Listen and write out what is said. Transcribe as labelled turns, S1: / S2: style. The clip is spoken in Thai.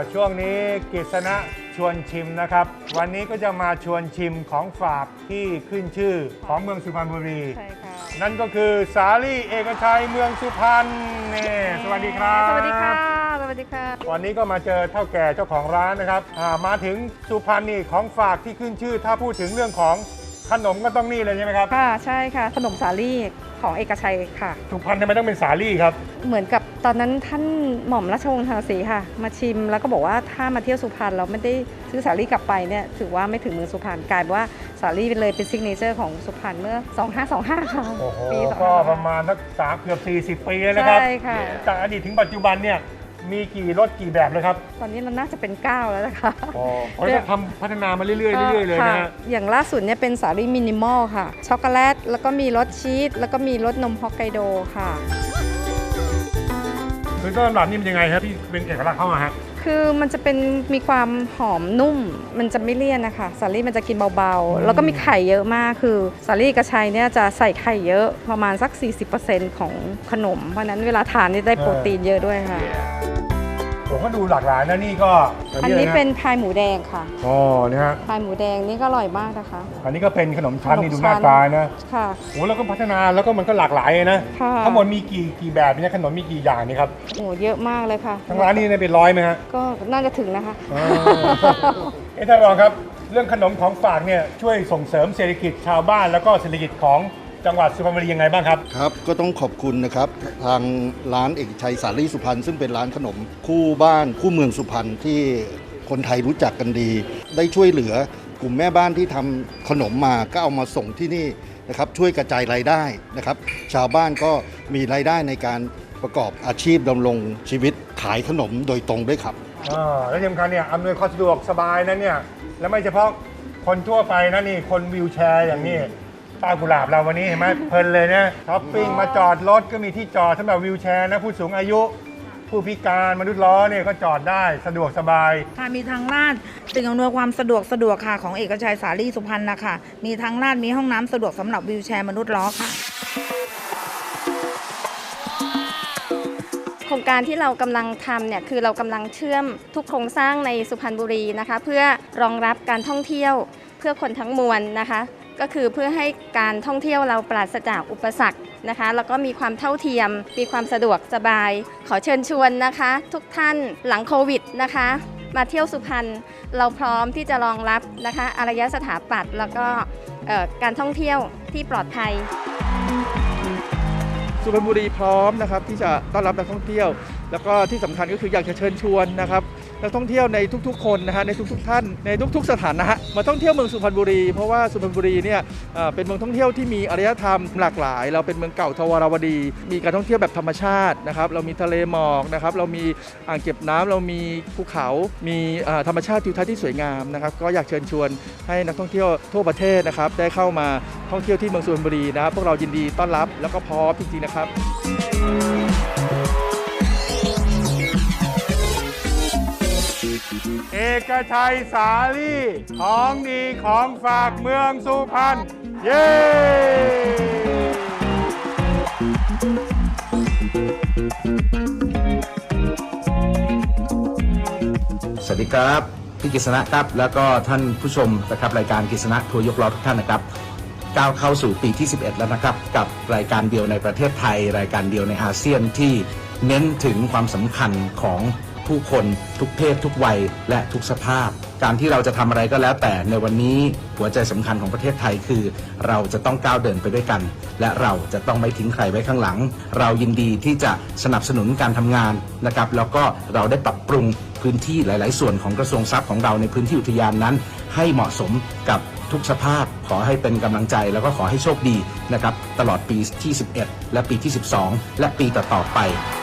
S1: ช่วงนี้กฤษณะชวนชิมนะครับวันนี้ก็จะมาชวนชิมของฝากที่ขึ้นชื่อของเมืองสุพรรณบุรี
S2: ใช่ค่ะ
S1: นั่นก็คือสาลี่เอกชัยเมืองสุพรรณนี่สวัสดีครับ
S2: สวัสดีค่ะสวัสดีค่ะ
S1: วันนี้ก็มาเจอเท่าแก่เจ้าของร้านนะครับมาถึงสุพรรณนี่ของฝากที่ขึ้นชื่อถ้าพูดถึงเรื่องของขนมก็ต้องนี่เลยใช่ไหมครับ
S2: ค่ะใช่ค่ะขนมสาลี่ของเอกชัยค่ะ
S1: สุพรรณทำไมต้องเป็นสาลี่ครับ
S2: เหมือนกับตอนนั้นท่านหม่อมราชวงศ์ทางศรีค่ะมาชิมแล้วก็บอกว่าถ้ามาเที่ยวสุพรรณเราไม่ได้ซื้อสาลี่กลับไปเนี่ยถือว่าไม่ถึงเมืองสุพรรณกลายเป็นว่าสาลี่เป็นเลยเป็นซิกเนเจอร์ของสุพรรณเมื่อ2525ค่ะ
S1: โอ้โห
S2: ปี
S1: ก็ประมาณสักเกือบ40 ปีแล้วนะครับ
S2: ใช่ค่ะ
S1: จากอดีตถึงปัจจุบันเนี่ยมีกี่รสกี่แบบเลยครับ
S2: ตอนนี้เราน่าจะเป็น9แล้วนะคะ
S1: เขาจะทำพัฒนามาเรื่อยๆเลยนะ
S2: อย่างล่าสุดเนี่ยเป็นสาลี่มินิมอลค่ะช็อกโกแลตแล้วก็มีรสชีสแล้วก็มีรสนมฮอกไกโดค่ะ
S1: คือต้นแบบนี้มันยังไงครับที่เป็นเอกลักษณ์เข้ามาฮะ
S2: คือมันจะเป็นมีความหอมนุ่มมันจะไม่เลี่ยนนะคะสาลี่มันจะกินเบาๆแล้วก็มีไข่เยอะมากคือสาลี่กระชัยเนี่ยจะใส่ไข่เยอะประมาณสัก 40% ของขนมเพราะนั้นเวลาทานนี่ได้โปรตีนเยอะด้วยค่ะ
S1: ผมก็ดูหลากหลายนะนี่ก็
S2: อันนี้เป็นพายหมูแดงค่ะ
S1: อ๋อนี่ฮะ
S2: พายหมูแดงนี่ก็อร่อยมากนะคะ
S1: อันนี้ก็เป็นขนมชั้นนี่ดูหน้าตานะ
S2: ค่ะ
S1: โอ้แล้วก็พัฒนาแล้วก็มันก็หลากหลายนะทั้งหมดมีกี่แบบเนี่ยขนมมีกี่อย่างนี่ครับ
S2: โอ้เยอะมากเลยค่ะ
S1: ทั้งร้านนี้เป็น100ไหมฮะ
S2: ก็น่าจะถึงนะคะ
S1: ท่านรองครับเรื่องขนมของฝากเนี่ยช่วยส่งเสริมเศรษฐกิจชาวบ้านแล้วก็เศรษฐกิจของจังหวัดสุพรรณบุรียังไงบ้างครับ
S3: ครับก็ต้องขอบคุณนะครับทางร้านเอกชัยสาลี่สุพรรณซึ่งเป็นร้านขนมคู่บ้านคู่เมืองสุพรรณที่คนไทยรู้จักกันดีได้ช่วยเหลือกลุ่มแม่บ้านที่ทำขนมมาก็เอามาส่งที่นี่นะครับช่วยกระจายรายได้นะครับชาวบ้านก็มีรายได้ในการประกอบอาชีพดำรงชีวิตขายขนมโดยตรงด้วยครับ
S1: และที่สำคัญเนี่ยอำนวยความสะดวกสบายนะเนี่ยและไม่เฉพาะคนทั่วไปนะนี่คนวีลแชร์อย่างนี้ป้ากุหลาบเราวันนี้เห็นไหมเพลินเลยนะช้อปปิ้งมาจอดรถก็มีที่จอดสำหรับวีลแชร์นะผู้สูงอายุผู้พิการมนุษย์ล้อเนี่ยก็จอดได้สะดวกสบาย
S4: ค่ะมีทางลาดสิ่งอำนวยความสะดวกค่ะของเอกชัยสาลี่สุพรรณนะคะมีทางลาดมีห้องน้ำสะดวกสำหรับวีลแชร์มนุษย์ล้อค่ะ
S2: โครงการที่เรากำลังทำเนี่ยคือเรากำลังเชื่อมทุกโครงสร้างในสุพรรณบุรีนะคะเพื่อรองรับการท่องเที่ยวเพื่อคนทั้งมวลนะคะก็คือเพื่อให้การท่องเที่ยวเราปราศจากอุปสรรคนะคะแล้วก็มีความเท่าเทียมมีความสะดวกสบายขอเชิญชวนนะคะทุกท่านหลังโควิดนะคะมาเที่ยวสุพรรณเราพร้อมที่จะรองรับนะคะอารยสถาปัตย์แล้วก็การท่องเที่ยวที่ปลอดภัย
S5: สุพรรณบุรีพร้อมนะครับที่จะต้อนรับนักท่องเที่ยวแล้วก็ที่สำคัญก็คืออยากจะเชิญชวนนะครับนักท่องเที่ยวในทุกๆคนนะฮะในทุกๆท่านในทุกๆสถานะมาท่องเที่ยวเมืองสุพรรณบุรีเพราะว่าสุพรรณบุรีเนี่ยเป็นเมืองท่องเที่ยวที่มีอารยธรรมหลากหลายเราเป็นเมืองเก่าทวารวดีมีการท่องเที่ยวแบบธรรมชาตินะครับเรามีทะเลหมอกนะครับเรามีอ่างเก็บน้ำเรามีภูเขามีธรรมชาติทิวทัศน์ที่สวยงามนะครับก็อยากเชิญชวนให้นักท่องเที่ยวทั่วประเทศนะครับได้เข้ามาท่องเที่ยวที่เมืองสุพรรณบุรีนะครับพวกเรายินดีต้อนรับแล้วก็พร้อมจริงๆนะครับ
S1: เอกชัยสาลี่ของดีของฝากเมืองสุพรรณเย้
S6: สวัสดีครับพี่กฤษณะครับแล้วก็ท่านผู้ชมนะครับรายการกฤษณะทัวร์ยกล้อทุกท่านนะครับก้าวเข้าสู่ปีที่11แล้วนะครับกับรายการเดียวในประเทศไทยรายการเดียวในอาเซียนที่เน้นถึงความสำคัญของผู้คนทุกเพศทุกวัยและทุกสภาพการที่เราจะทำอะไรก็แล้วแต่ในวันนี้หัวใจสำคัญของประเทศไทยคือเราจะต้องก้าวเดินไปด้วยกันและเราจะต้องไม่ทิ้งใครไว้ข้างหลังเรายินดีที่จะสนับสนุนการทำงานนะครับแล้วก็เราได้ปรับปรุงพื้นที่หลายๆส่วนของกระทรวงทรัพย์ของเราในพื้นที่อุทยานนั้นให้เหมาะสมกับทุกสภาพขอให้เป็นกำลังใจแล้วก็ขอให้โชคดีนะครับตลอดปีที่11และปีที่12และปีต่อๆไป